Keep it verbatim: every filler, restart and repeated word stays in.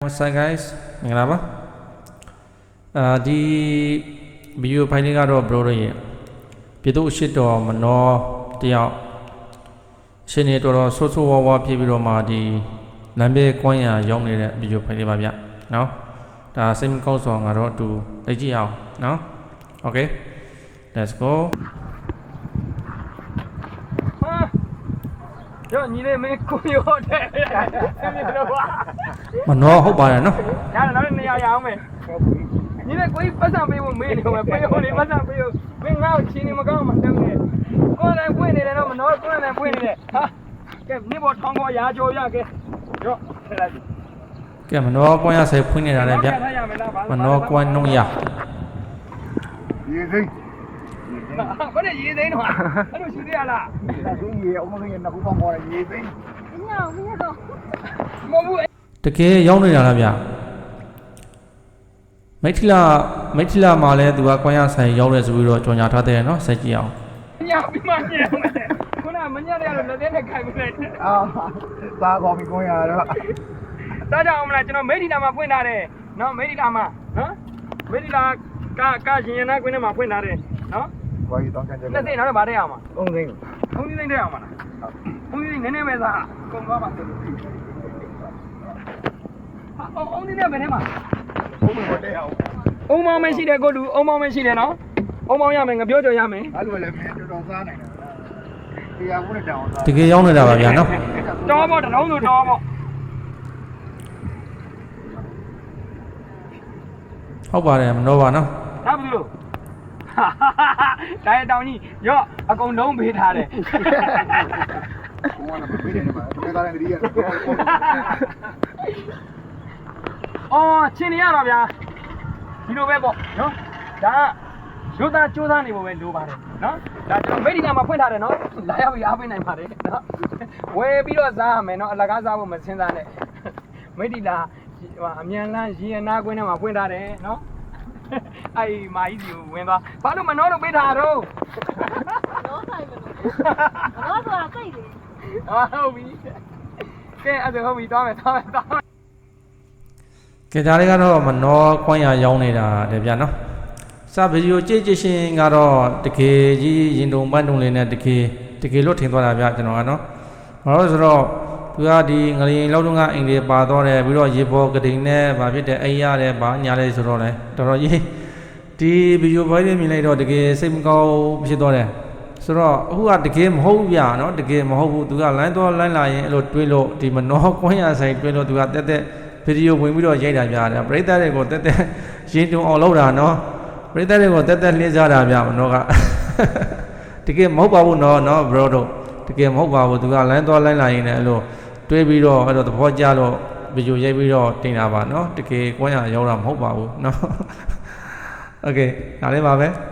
What's up guys မင်္ဂလာပါအာဒီဗီဒီယိုဖိုင်လေးကတော့ bro တို့ရဲ့ပြည်သူ့ရှစ်တော်မနောတယောက်ရှင်နေတော်တော်ဆိုးဆိုးဝါးဝါးဖြစ်ပြီးတော့မှဒီလမ်းဘေးကွမ်းရရောက်နေတဲ့ဗီဒီယိုဖိုင်လေးပါဗျနော်ဒါစိတ်မကောင်းဆောင်ကတော့အတူလိုက်ကြည့်အောင်နော် Okay let's go ရောညီလေးမင်းကိုရောတဲ့မင်းတို့ကမနောဟုတ်ပါတယ်နော်ရတယ်နောက်နေရာရအောင်မယ်ညီလေးကိုပတ်စံပေးဖို့မေးနေမယ်ပေးဖို့လေပတ်စံပေးဖို့မင်းငါ့ကိုချင်းနေမကောင်းမှတက်နေကိုယ်လည်းဖွင့်နေတယ်တော့မနောကိုယ်လည်းဖွင့်နေတယ်ဟာကဲနေပေါ်ထောင်းပေါ်ရာကြော်ရကဲရောထည့်လိုက်ကဲမနောကွမ်းရဆယ်ဖွင့်နေတာလည်းဗျမနောကွမ်းနှုံးရရေစိမ့်ဘာနဲ့ရေသိန်းတော့အဲ့လိုရှိသေးရလားရေရေအုံးလုံးရေနှစ်ခုပေါင်းပေါ်ရေစိမ့်ညောင်မင်းတော့မဟုတ်ဘူးတကယ်ရောက်နေတာလားဗျမိထလာမိထလာမှာလဲသူကကွမ်းရဆိုင်ရောက်တယ်ဆိုပြီးတော့ကြော်ညာထားတဲ့နော်ဆက်ကြည့်အောင်ညောင်ပြီးမှညောင်တယ်ခုနမညက်ရလို့လက်သေးနဲ့ခိုင်ပြီးလိုက်အာသားကောင်းပြီးကိုင်းရတော့တားကြအောင်မလားကျွန်တော်မိထီလာမှာဖွင့်ထားတယ်နော်မိထီလာမှာနော်မိထီလာကကရင်ရနာကွင်းထဲမှာဖွင့်ထားတယ်နော်ဘာကြီးတောင်းချင်တယ်လက်သေးနောက်တော့ဗားတဲ့အောင်မှာအုံးစိမ့်အုံးစိမ့်တဲ့အောင်မှာလားအုံးစိမ့်နည်းနည်းပဲသားကုန်သွားပါစေအုံးအုံးစိမ့်တဲ့ဘယ်ထဲမှာဘုံမတဲ့အောင်အုံးမောင်းမရှိတယ်ကိုလူအုံးမောင်းမရှိတယ်နော်အုံးမောင်းရမယ်ငါပြောကြရမယ်အဲ့လိုလည်းမင်းတော်တော်စားနိုင်တယ်တရားဝင်တောင်းစားတကယ်ရောက်နေတာပါဗျာနော်တော်ပေါ့တလုံးဆိုတော်ပေါ့ဟုတ်ပါတယ်မနှောပါနော်ဒါဘူးလို့ဒါရတောင်ကြီးရော့အကုန်လုံးပေးထားတယ်ဘုံကလည်းပေးတယ်မှာဒီကလည်းတည်းရအော်ချင်းနေရတော့ဗျာဒီလိုပဲပေါ့နော်ဒါရုပ်သားစူးစမ်းနေဖို့ပဲလိုပါတယ်နော်ဒါကျွန်တော်မိတ်ဒီကမှာဖွင့်ထားတယ်နော်လာရောက်ပြီးအားပေးနိုင်ပါတယ်နော်ဝယ်ပြီးတော့စားရမယ်နော်အလကားစားဖို့မစင်းစားနဲ့မိတ်ဒီလာအမြန်လန်းရေနာကွင်းထဲမှာဖွင့်ထားတယ်နော်အဲ့မာကြီးစီကိုဝင်သွားဘာလို့မနှောတော့ပေးထားတော့နောဆိုင်မလို့နောဆိုတာစိတ်လေဟာဟုတ်ပြီကဲအဲ့ဒါဟုတ်ပြီသွားမယ်သွားမယ်သွားမယ်ကဲဒါလေးကတော့မနှောကွမ်းရရောက်နေတာတယ်ဗျာနော်စဗီဒီယိုကြည့်ကြည့်ရှင်ကတော့တကယ်ကြီးရင်တုံပန်းတုံလေးနဲ့တကယ်တကယ်လို့ထင်သွားတာဗျာကျွန်တော်ကနော်ဘာလို့ဆိုတော့သူကဒီငလျင်လောက်တုန်းကအိမ်တွေပါတော့တယ်ပြီးတော့ရေပေါ်ကတိန်နဲ့ဗာဖြစ်တယ်အိမ်ရတယ်ဗာညာလဲဆိုတော့လဲတော်တော်ကြီးဒီဗီဒီယိုဖိုင်လေးမြင်လိုက်တော့တကယ်စိတ်မကောင်းဖြစ်သွားတယ်ဆိုတော့အခုကတကယ်မဟုတ်ဗျာနော်တကယ်မဟုတ်ဘူးသူကလိုင်းတော့လိုင်းလာရင်အဲ့လိုတွေးလို့ဒီမနှောကွမ်းရဆိုင်တွေးလို့သူကတက်တက်ဗီဒီယိုဝင်ပြီးတော့ရိုက်တာဗျာပရိသတ်တွေကိုတက်တက်ရင်တုံအောင်လုပ်တာနော်ပရိသတ်တွေကိုတက်တက်လှည့်ကြတာဗျာမနှောကတကယ်မဟုတ်ပါဘူးနော်နော် bro တို့တကယ်မဟုတ်ပါဘူးသူကလိုင်းတော့လိုင်းလာရင်လည်းအဲ့လိုတွေးပြီးတော့အဲ့တော့သဘောကျလို့ဗီဒီယိုရိုက်ပြီးတော့တင်တာပါနော်တကယ်ကွမ်းရရောက်တာမဟုတ်ပါဘူးနော်โอเคဒါလေးပါပဲ